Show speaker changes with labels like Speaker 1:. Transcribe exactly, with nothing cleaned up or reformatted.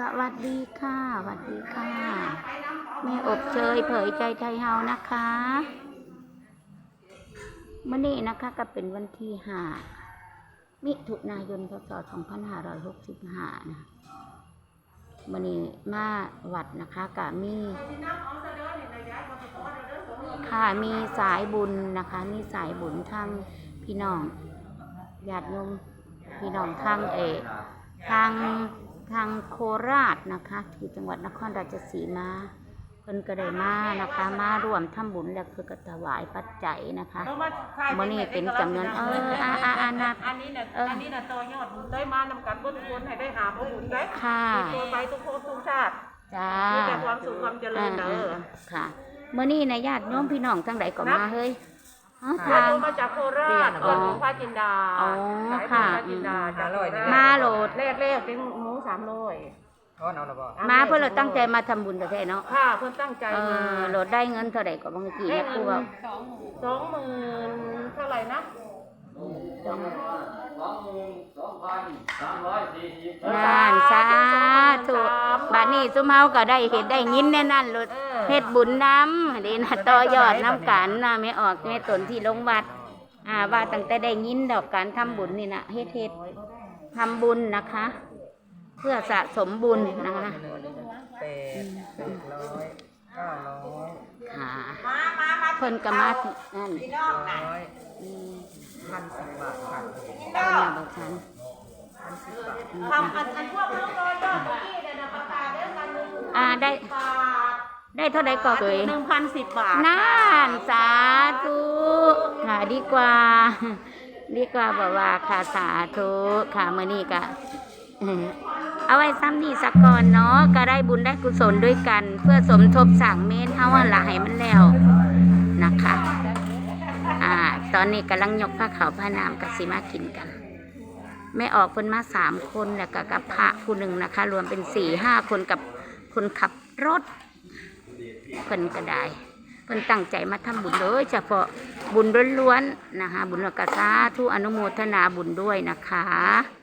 Speaker 1: วัสดีค่ะสวัสดีค่ะแม่อบเชยเผยใจไทยเฮานะคะเมื่อนี้นะคะก็เป็นวันที่ห้ามิถุนายนพศสองพันห้าร้อยหกสิบห้านะเมื่อนี้มาวัดนะคะกะมีค่ะมีสายบุญนะคะมีสายบุญทางพี่น้องญาติโยมพี่น้องทางเอทางทางโคราชนะคะที่จังหวัดนครราชสีมาเพิ่นก็ได้มานะคะมาร่วมทำบุญแล้วคือก็ถวายปัจจัยนะคะมื้อนี้เป็นจำนวนเอออ่าอ่าอ่านับ
Speaker 2: อันนี้น่ะอันนี้น่ะตัวยอดได้มานำกันเบิ่ทุกคนให้ได้หาบุญได้
Speaker 1: ค่ะ
Speaker 2: ตัวไปทุกคนทุกชาติ
Speaker 1: จ้า
Speaker 2: มีแต่ความสุขความเจริญเด้อ
Speaker 1: ค่ะมื้อนี้นะญาติโยมพี่น้องทั้งหลายก็มาเฮ้ย
Speaker 2: อ๋อทางมาจากโคราชจากหลวงพ่อจินดา
Speaker 1: อ๋อค่ะ
Speaker 2: มาโหลดแรกๆเป็นหมูสามร้อย
Speaker 1: มาเพื่อเราตั้งใจมาทำบุญแต่แท้เนาะ
Speaker 2: ค่ะเพื่อตั้งใจมา
Speaker 1: โหลดได้เงินเท่าไหร่ก็บางทีเนี่ยครูบอก
Speaker 2: สองหมื่นเท่าไหร่นะ
Speaker 1: สอง
Speaker 3: สองหมื่นสองพันสามร้อยสี่สิบ
Speaker 1: งานสาธุบัดนี้ซุมเฮาก็ได้เห็นได้ยินแน่นั่นโหลดเฮ็ดบุญน้ำดีนะต่อยอดน้ำกันนะไม่ออกไม่ตนที่ลงวัดอ่าว่าตั้งแต่ได้ยินดอกการทำบุญนี่นะเฮ็ดเฮ็ดทำบุญนะคะเพื่อสะสมบุญนะคะ
Speaker 4: แปดร้อยเก้าร้อย
Speaker 1: ค่ะเพิ่นก็มานั่น
Speaker 4: ร้อยพันสิบบาทค่ะ
Speaker 1: เพิ่นมาบอกฉัน
Speaker 4: พันสิบบาท
Speaker 2: ทำอันอันพวกน้องร้อยยอดเมื่อกี้เนี่ยนะประกาศได้กันหนึ่ง
Speaker 1: อ่าได้ได้เท่าใดก่อนตัวเอง
Speaker 2: หนึ่งพันสิบบาท
Speaker 1: นั่นสาธุค่ะดีกว่าดีกว่าบอกว่าค่ะสาธุค่ะมื้อนี้ก็เอาไว้ซ้ำนี่สักก่อนเนาะก็ได้บุญได้กุศลด้วยกันเพื่อสมทบสร้างเมนเฮาว่าละให้มันแล้วนะคะอ่าตอนนี้กำลังยกผ้าขาวผ้าน้ำกับสิมากินกันแม่ออกเพิ่นมาสามคนแล้วก็กับพระผู้หนึ่งนะคะรวมเป็นสี่ห้าคนกับคนขับรถเพิ่นก็ได้เพิ่นตั้งใจมาทำบุญโดยเฉพาะบุญล้วนๆนะคะบุญกษาทุอนุโมทนาบุญด้วยนะคะ